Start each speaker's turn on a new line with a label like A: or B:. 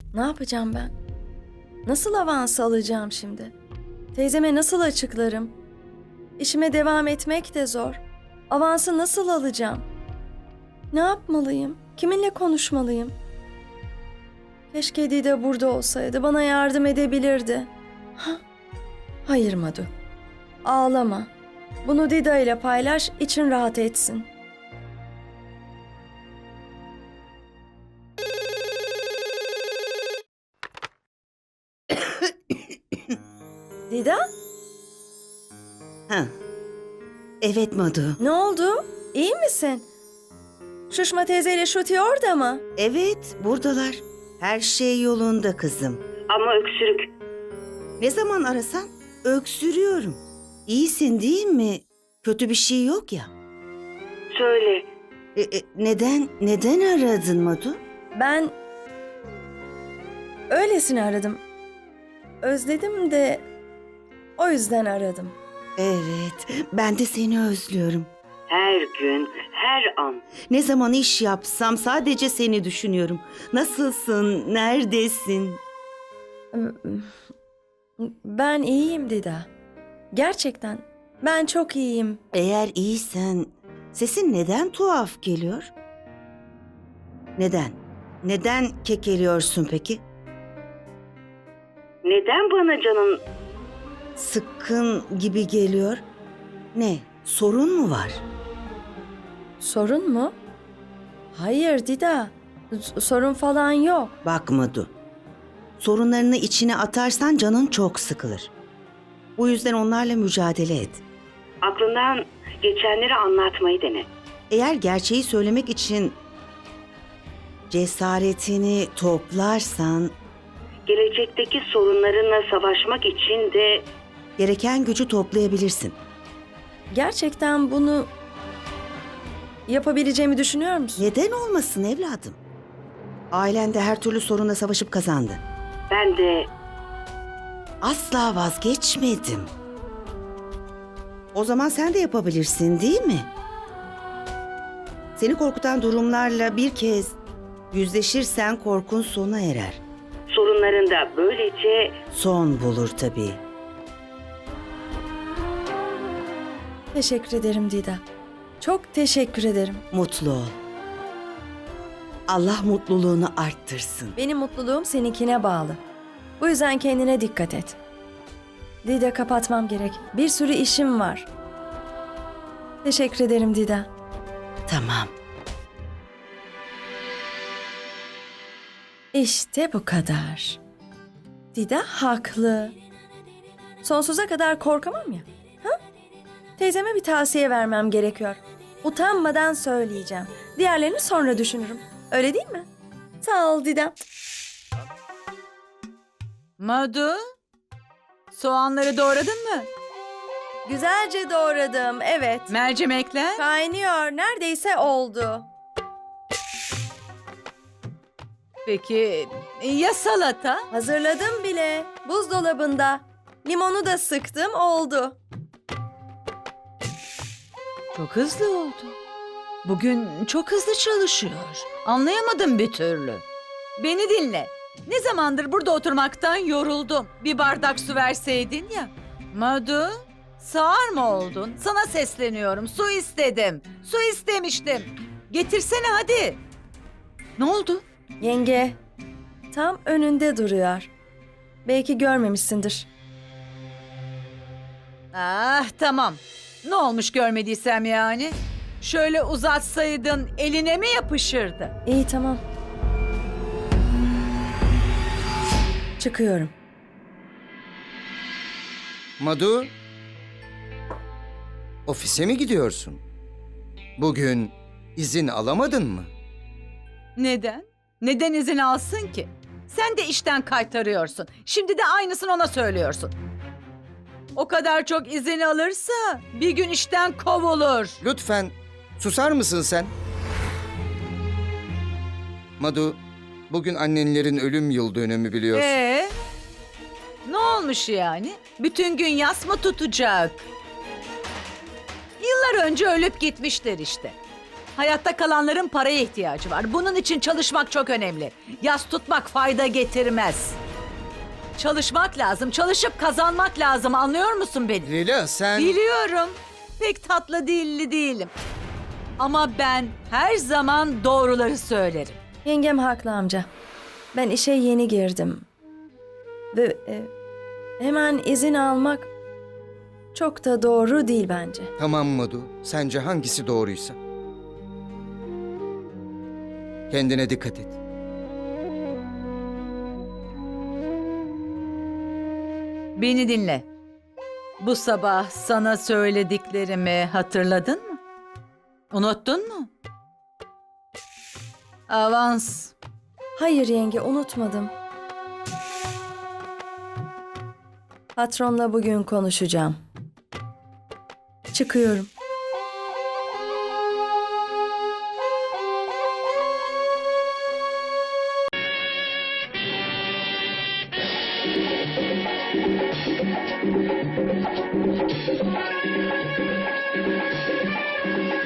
A: Ne yapacağım ben? Nasıl avans alacağım şimdi? Teyzeme nasıl açıklarım? İşime devam etmek de zor. Avansı nasıl alacağım? Ne yapmalıyım? Kiminle konuşmalıyım? Keşke Dida burada olsaydı, bana yardım edebilirdi. Hayır Madu. Ağlama. Bunu Dida ile paylaş, için rahat etsin. Dida?
B: Ha. Evet Madu.
A: Ne oldu? İyi misin? Şuşma teyzeyle Şuti orada mı?
B: Evet, buradalar. Her şey yolunda kızım.
C: Ama öksürük.
B: Ne zaman arasan öksürüyorum. İyisin değil mi? Kötü bir şey yok ya.
C: Söyle.
B: Neden aradın Madu?
A: Ben öylesine aradım. Özledim de o yüzden aradım.
B: Evet, ben de seni özlüyorum.
C: Her gün, her an.
B: Ne zaman iş yapsam sadece seni düşünüyorum. Nasılsın? Neredesin?
A: Ben iyiyim Dida. Gerçekten ben çok iyiyim.
B: Eğer iyisen sesin neden tuhaf geliyor? Neden? Neden kekeliyorsun peki?
C: Neden bana canın...
B: Sıkkın gibi geliyor. Ne? Sorun mu var?
A: Sorun mu? Hayır Dida. Sorun falan yok.
B: Bak Madu. Sorunlarını içine atarsan canın çok sıkılır. Bu yüzden onlarla mücadele et.
C: Aklından geçenleri anlatmayı dene.
B: Eğer gerçeği söylemek için cesaretini toplarsan
C: Gelecekteki sorunlarınla savaşmak için de
B: gereken gücü toplayabilirsin.
A: Gerçekten bunu yapabileceğimi düşünüyor musun?
B: Neden olmasın evladım? Ailen de her türlü sorunla savaşıp kazandı.
C: ben de
B: Asla vazgeçmedim. O zaman sen de yapabilirsin, değil mi? Seni korkutan durumlarla bir kez yüzleşirsen korkun sona erer.
C: sorunlarında böylece
B: Son bulur tabii.
A: Teşekkür ederim Dida. Çok teşekkür ederim.
B: Mutlu ol. Allah mutluluğunu arttırsın.
A: Benim mutluluğum seninkine bağlı. Bu yüzden kendine dikkat et. Dida, kapatmam gerek. Bir sürü işim var. Teşekkür ederim Dida.
B: Tamam.
A: İşte bu kadar. Dida haklı. Sonsuza kadar korkamam ya. Ha? Teyzeme bir tavsiye vermem gerekiyor. Utanmadan söyleyeceğim. Diğerlerini sonra düşünürüm. Öyle değil mi? Sağ ol Dida.
D: Madu, soğanları doğradın mı?
A: Güzelce doğradım, evet.
D: Mercimekler?
A: Kaynıyor, neredeyse oldu.
D: Peki ya salata?
A: Hazırladım bile. Buzdolabında. Limonu da sıktım, oldu.
D: Çok hızlı oldu. Bugün çok hızlı çalışıyor. Anlayamadım bir türlü. Beni dinle. Ne zamandır burada oturmaktan yoruldum. Bir bardak su verseydin ya. Madu, sağır mı oldun? Sana sesleniyorum. Su istedim. Su istemiştim. Getirsene hadi. Ne oldu?
A: Yenge, tam önünde duruyor. Belki görmemişsindir.
D: Ah tamam. Ne olmuş görmediysem yani? Şöyle uzatsaydın eline mi yapışırdı?
A: İyi, tamam. Çıkıyorum.
E: Madu, ofise mi gidiyorsun? Bugün izin alamadın mı?
D: Neden? Neden izin alsın ki? Sen de işten kaytarıyorsun. Şimdi de aynısını ona söylüyorsun. O kadar çok izin alırsa bir gün işten kovulur.
E: Lütfen susar mısın sen? Madu, bugün annenlerin ölüm yıl dönümü biliyorsun.
D: Ne olmuş yani? Bütün gün yas mı tutacak? Yıllar önce ölüp gitmişler işte. Hayatta kalanların paraya ihtiyacı var. Bunun için çalışmak çok önemli. Yas tutmak fayda getirmez. Çalışmak lazım, çalışıp kazanmak lazım. Anlıyor musun beni?
E: Lila sen...
D: Biliyorum. Pek tatlı dilli değilim. Ama ben her zaman doğruları söylerim.
A: Yengem haklı amca. Ben işe yeni girdim. Ve hemen izin almak çok da doğru değil bence.
E: Tamam Madu. Sence hangisi doğruysa? Kendine dikkat et.
D: Beni dinle. Bu sabah sana söylediklerimi hatırladın mı? Unuttun mu? Avans.
A: Hayır yenge, unutmadım. Patronla bugün konuşacağım. Çıkıyorum.